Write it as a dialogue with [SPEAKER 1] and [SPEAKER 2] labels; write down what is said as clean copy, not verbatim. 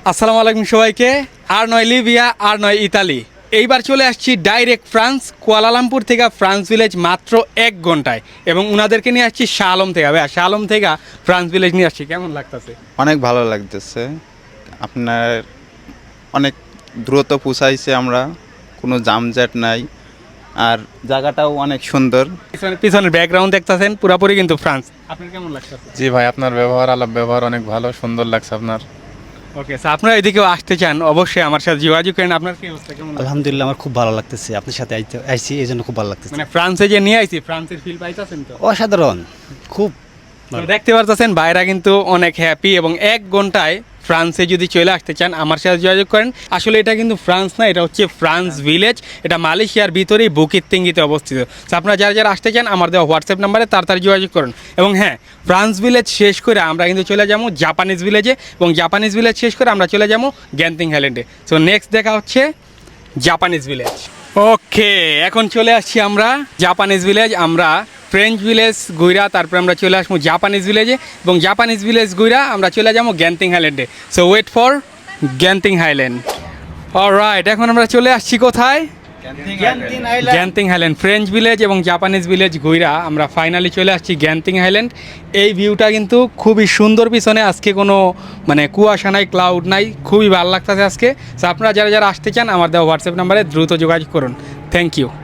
[SPEAKER 1] আসসালামু আলাইকুম সবাইকে। আর নয় লিবিয়া, আর নয় ইতালি, এইবার চলে আসছি ডাইরেক্ট ফ্রান্স, কুয়ালালামপুর থেকে ফ্রান্স ভিলেজ মাত্র 1 ঘন্টায়। এবং ওনাদেরকে নিয়ে আসছি শাহ আলম থেকে। ভাইয়া, শাহ আলম থেকে ফ্রান্স ভিলেজ নিয়ে আসছি, কেমন লাগতেছে?
[SPEAKER 2] অনেক ভালো লাগতেছে। আপনার অনেক দ্রুত পৌঁছাইছে, আমরা কোনো জামজট নাই, আর জায়গাটাও অনেক সুন্দর।
[SPEAKER 1] পিছনের ব্যাকগ্রাউন্ড দেখতেছেন, পুরোপুরি কিন্তু ফ্রান্স। আপনার কেমন লাগতেছে?
[SPEAKER 3] জি ভাই, আপনার ব্যবহার আলাপ ব্যবহার অনেক ভালো, সুন্দর লাগছে আপনার।
[SPEAKER 1] ওকে, স্যার আপনারা এদিকেও আসতে চান, অবশ্যই আমার সাথে যোগাযোগ করেন। আপনার কি অবস্থা, কেমন লাগছে?
[SPEAKER 4] আলহামদুলিল্লাহ, আমার খুব ভালো লাগতেছে, আপনার সাথে আইছি এই জন্য খুব ভালো লাগতেছে।
[SPEAKER 1] মানে ফ্রান্সে যে নিয়ে আইছি, ফ্রান্সের ফিল পাইতেছেন তো?
[SPEAKER 4] অসাধারণ, খুব
[SPEAKER 1] তো দেখতে পারতেছেন বাইরা কিন্তু অনেক হ্যাপি। এবং 1 ঘন্টায় ফ্রান্সে যদি চলে আসতে চান আমার সাথে যোগাযোগ করেন। আসলে এটা কিন্তু ফ্রান্স না, এটা হচ্ছে ফ্রান্স ভিলেজ। এটা মালয়েশিয়ার ভিতরেই বুকিত তিঙ্গিতে অবস্থিত। তো আপনারা যারা যারা আসতে চান আমার দেওয়া হোয়াটসঅ্যাপ নাম্বারে তাড়াতাড়ি যোগাযোগ করুন। এবং হ্যাঁ, ফ্রান্স ভিলেজ শেষ করে আমরা কিন্তু চলে যাবো জাপানিজ ভিলেজে, এবং জাপানিজ ভিলেজ শেষ করে আমরা চলে যাবো গ্যান্তিং হাইল্যান্ডে। সো নেক্সট দেখা হচ্ছে জাপানিজ ভিলেজ। ওকে, এখন চলে আসছি আমরা জাপানিজ ভিলেজ। আমরা ফ্রেঞ্চ ভিলেজ ঘুরা তারপরে আমরা চলে আসবো জাপানিজ ভিলেজে, এবং জাপানিজ ভিলেজ ঘুরা আমরা চলে যাবো গ্যান্তিং হাইল্যান্ডে। So wait for Genting highland. Alright, এখন আমরা চলে আসছি কোথায়? Genting highland. ফ্রেঞ্চ ভিলেজ এবং জাপানিজ ভিলেজ ঘুরা আমরা ফাইনালি চলে আসছি গ্যান্তিং হাইল্যান্ড। এই ভিউটা কিন্তু খুবই সুন্দর। পিছনে আজকে কোনো মানে কুয়াশা নাই, ক্লাউড নাই, খুবই ভালো লাগতেছে আজকে। সো আপনারা যারা যারা আসতে চান আমার দেওয়া হোয়াটসঅ্যাপ নাম্বারে দ্রুত যোগাযোগ করুন। Thank you.